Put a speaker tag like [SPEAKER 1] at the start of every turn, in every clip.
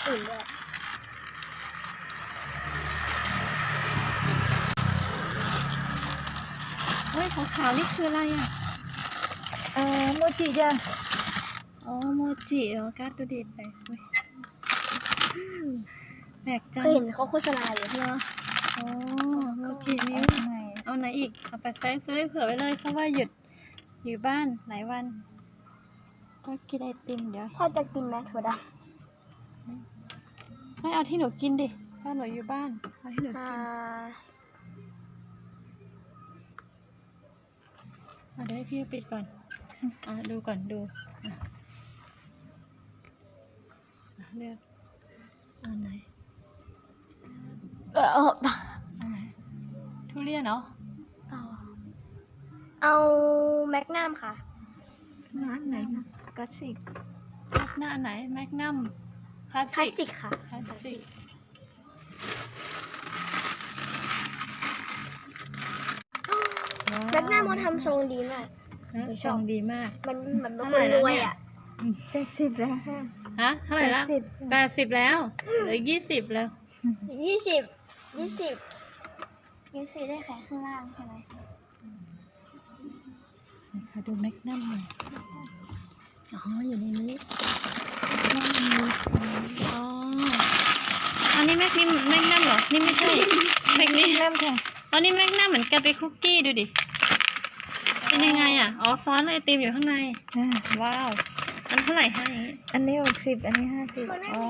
[SPEAKER 1] อื่นด้วย
[SPEAKER 2] เฮ้ยขาวๆนี่คืออะไรอ่ะ
[SPEAKER 3] โมจิจ้ะ
[SPEAKER 2] อ๋อโมจิเหรอการ์ดดูดิไปแปลกจัง
[SPEAKER 1] เคยเห็นเขาโฆษณาอยู่
[SPEAKER 2] เหรออ๋อโมจินิ้วเอาไหนอีกเอาไปซื้อเผื่อไว้เลยเพราะว่าหยุดอยู่บ้านหลายวันก็กินไอติมเดี๋ยว
[SPEAKER 1] พ่อจะกินไหมถั่วด
[SPEAKER 2] ไม่เอาที่หนูกินดิถ้าหนูอยู่บ้านเอาที่หนู
[SPEAKER 1] ำ
[SPEAKER 2] กินเดี๋ยวให้พี่ปิดก่อนดูก่อนดูเลือกอันไหนอันไหนทุเรียนเนาะ
[SPEAKER 1] เอาแมกนัมค่ะ
[SPEAKER 3] ร้านไหนนะกระชิก
[SPEAKER 2] หน้าไหนแมกนัมคลาส
[SPEAKER 1] คลาส
[SPEAKER 2] สิ
[SPEAKER 1] สิ
[SPEAKER 2] ก
[SPEAKER 1] กค่ะ
[SPEAKER 2] คลาสสิก
[SPEAKER 1] แมกนัมมันทำทรงดีมาก
[SPEAKER 2] ชองดีมาก
[SPEAKER 1] มันเหมือนเป็น
[SPEAKER 2] เท่า
[SPEAKER 1] ค
[SPEAKER 2] ไหร่
[SPEAKER 1] น
[SPEAKER 2] แล้ว
[SPEAKER 1] รวย
[SPEAKER 2] เนี่ย
[SPEAKER 1] อ่ะ
[SPEAKER 3] 80แล้วค่ะ
[SPEAKER 2] ฮะเท่าไหร่ละ80แล้วเหลือ20แล้ว
[SPEAKER 1] 20ได้แค่ข้างล่างใช่ไหม
[SPEAKER 2] ค่ะดูแมกนัมหน่อยอ๋ออยู่ในนี้อ๋ออันนี้แมกนัมเหรอนี่ไม่ใช่แมกนัมค่ะอ๋อนี่แมกนัมเหมือนกันเป็นคุกกี้ดูดิเป็นยังไงอ่ะอ๋อซ้อนไอติมอยู่ข้างในว้าวอันเท่าไหร่คะอย่างนี้
[SPEAKER 3] อันนี้60อันนี้50
[SPEAKER 2] อ๋อ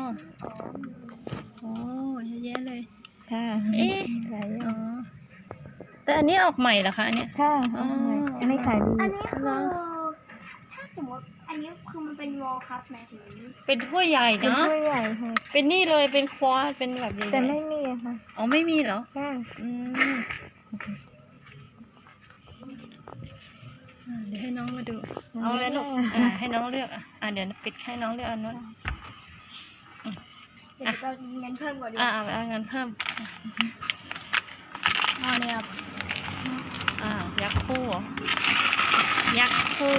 [SPEAKER 2] โอ้เยอะแยะเลย
[SPEAKER 3] ค่ะ
[SPEAKER 2] เอ๊ะ
[SPEAKER 3] หลายอย่า
[SPEAKER 2] อ๋อง แต่อันนี้ออกใหม่เหรอคะอันเนี้ย
[SPEAKER 3] ค่ะ
[SPEAKER 2] อ๋อ
[SPEAKER 3] อันนี้ขายดี
[SPEAKER 1] อันนี้คือถ้าสมมติอันนี้คือมันเป็นวอลคัพหมายถึง
[SPEAKER 2] เป็นถ้วยใหญ่
[SPEAKER 3] เป็น
[SPEAKER 2] เนาะ
[SPEAKER 3] ถ้วยใหญ่ค่ะ
[SPEAKER 2] เป็นนี่เลยเป็นควอดเป็นแบบใหญ่ๆ
[SPEAKER 3] แต่ไม่มีค่ะ
[SPEAKER 2] อ๋อไม่มีเหรอ
[SPEAKER 3] ค่ะ
[SPEAKER 2] อืมเดี๋ยวให้น้องมาดู เอาเลยลูกให้น้องเลือกเดี๋ยวปิดให้น้องเลือกอันนู้น
[SPEAKER 1] เดี๋ยวเราเงินเพิ่มกว่าดี
[SPEAKER 2] เอาเงินเพิ่มเนี่ยยักษ์คู่เหรอยักษ์คู่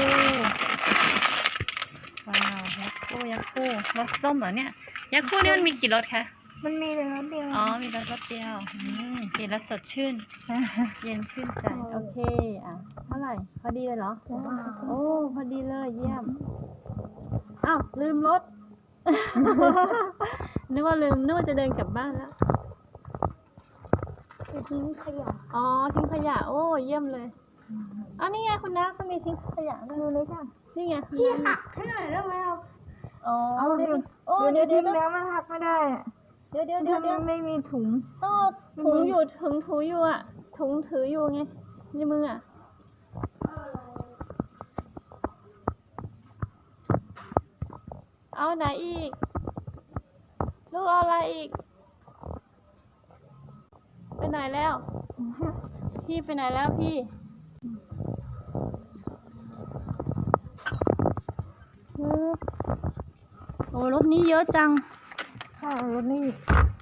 [SPEAKER 2] ว้าวยักษ์คู่รสส้มเหรอเนี่ยยักษ์คู่นี่มันมีกี่รสคะ
[SPEAKER 3] มันมีแต่รสเดียว
[SPEAKER 2] อ๋อมีรสเดียวกินแล้วสดชื่น เย็นชื่นใจโอเคเท่าไหร่พอดีเลยเหรอโอ้พอดีเลยเยี่ยมอ้าวลืมรถ นึกว่าจะเดินกลับบ้านแล้ว
[SPEAKER 1] ทิ้งขยะ
[SPEAKER 2] อ๋อทิ้งขยะโอ้เยี่ยมเลยอ๋อนี่ไงคุณน้าก็มีทิ้งขยะด้วย
[SPEAKER 3] ดูเลยค่ะ
[SPEAKER 2] นี่ไง
[SPEAKER 1] พี่หักให้หน่อยได้ไหมครับ
[SPEAKER 2] อ๋อ
[SPEAKER 3] เอาเดี๋ยว
[SPEAKER 2] โอ้
[SPEAKER 3] เดี๋ยว
[SPEAKER 2] เดี๋ยว
[SPEAKER 3] ทิ้งแล้วมันหักไม่ได้อะ
[SPEAKER 2] เดี๋ยว
[SPEAKER 3] ถ้ามันไม่มีถุง
[SPEAKER 2] ถุงอยู่ถุงถืออยู่ถุงถืออยู่ไงในมือเอาไหนอีกลูกเอาอะไรอีกไปไหนแล้วพี่ไปไหนแล้วพี่โอ้รถนี้เยอะจัง
[SPEAKER 3] ค่ะรถนี่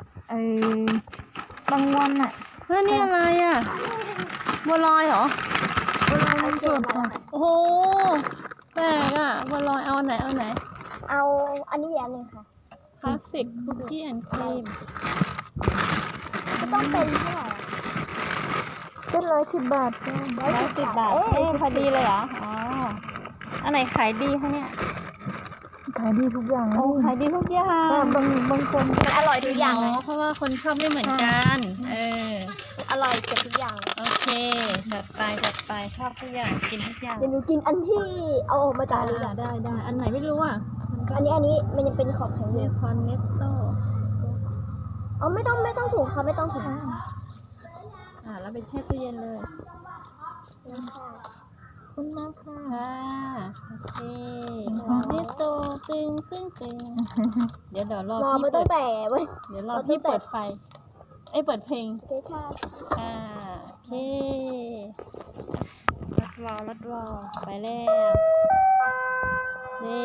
[SPEAKER 3] บางวันอ่ะ
[SPEAKER 2] เฮ้ยนี่อะไรบัวลอยเหรอ
[SPEAKER 3] เวลามันสดอ่ะ
[SPEAKER 2] โอ้โหแปลกบัวลอยเอาไหน
[SPEAKER 1] เอาอันนี้อย่างหนึ่งค่ะ
[SPEAKER 2] คลาสสิกคุกกี้แอนด์ครีม
[SPEAKER 1] ก็ต้องเป็นเท่าไหร่
[SPEAKER 3] เป็น110 บาทค่ะ
[SPEAKER 2] 110 บาทพอดีเลยเหรออ๋ออันไหนขายดีคะเนี่ย
[SPEAKER 3] ขายดีทุกอย่าง
[SPEAKER 2] โอ้ขายดีทุกอย่าง
[SPEAKER 3] บางคน
[SPEAKER 1] มันอร่อยทุกอย่างเลย
[SPEAKER 2] เพราะว่าคนชอบไม่เหมือนกัน
[SPEAKER 1] อร่อยเกือบทุกอย่างเลย
[SPEAKER 2] โอเคจัดไปชอบทุกอย่างกินทุกอย่าง
[SPEAKER 1] เดี๋ยวหนูกินอันที่เอาออกมาจากนี้ก่อน
[SPEAKER 2] ได้อันไหนไม่รู้
[SPEAKER 1] อันนี้มันยังเป็นขอบแข็งอ
[SPEAKER 2] เบ
[SPEAKER 1] ยู่
[SPEAKER 2] คอนเนสโต้
[SPEAKER 1] ไม่ต้องถุงค่ะไม่ต้องถุง
[SPEAKER 2] แล้วไปแช่ตู้เย็นเลย
[SPEAKER 3] คุณมากค่ะ
[SPEAKER 2] โอเคเนสโต้ตึงเดี๋ยวรอ
[SPEAKER 1] รอ
[SPEAKER 2] พี่
[SPEAKER 1] มาตั้งแต่วัน
[SPEAKER 2] เดี๋ยวรอพี่เปิดไฟเปิดเพลง
[SPEAKER 1] โอเคค่ะ
[SPEAKER 2] โอเครถวอลไปแล้วนี่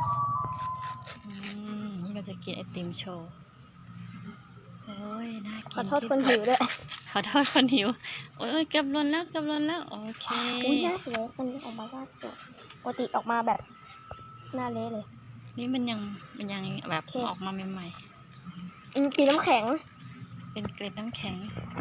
[SPEAKER 2] นี่เราจะกินไอติมโชว์โอ้ยน่ากิน
[SPEAKER 1] อโทษคนหิวด้วย
[SPEAKER 2] ขอโทษคนหิว โอ้ยเกือบหล่นแล้วเกือบหล่นแล้ว โอเค
[SPEAKER 1] อุ้ยหน้าสวยคนนี้ออกมาว่าสวยปกติออกมาแบบหน้าเละเลย
[SPEAKER 2] นี่มันยังแบบ
[SPEAKER 1] โอเค
[SPEAKER 2] ออกมาใหม่
[SPEAKER 1] กินน้ำแข็ง
[SPEAKER 2] ๆ เป็นเกล็ดน้ำแข็ง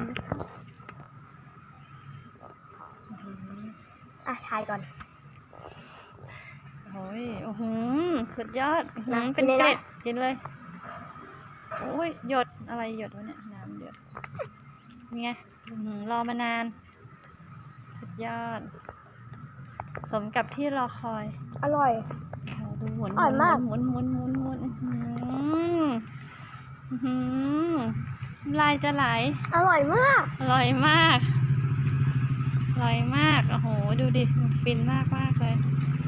[SPEAKER 2] อื้อหือ
[SPEAKER 1] อ่ะทายก่อน
[SPEAKER 2] โอ้ยโอ้โหสุดยอด
[SPEAKER 1] นะ
[SPEAKER 2] เป็น
[SPEAKER 1] กินเลยนะ
[SPEAKER 2] เกล็ดกินเลย โอ้ยหยดอะไรหยดวะเนี่ยน้ำหยดนี่ไงอื้อหือรอมานาน สุดยอด สมกับที่รอคอย
[SPEAKER 1] อร่อย
[SPEAKER 2] โอ้โหดูหมุน
[SPEAKER 1] อร่อยมาก
[SPEAKER 2] หมุนอื้อหืออื้อหือน้ำลายจะไหล
[SPEAKER 1] อร่อยมาก
[SPEAKER 2] อร่อยมาก อร่อยมาก โอ้โห ดูดิมันฟินมากเลย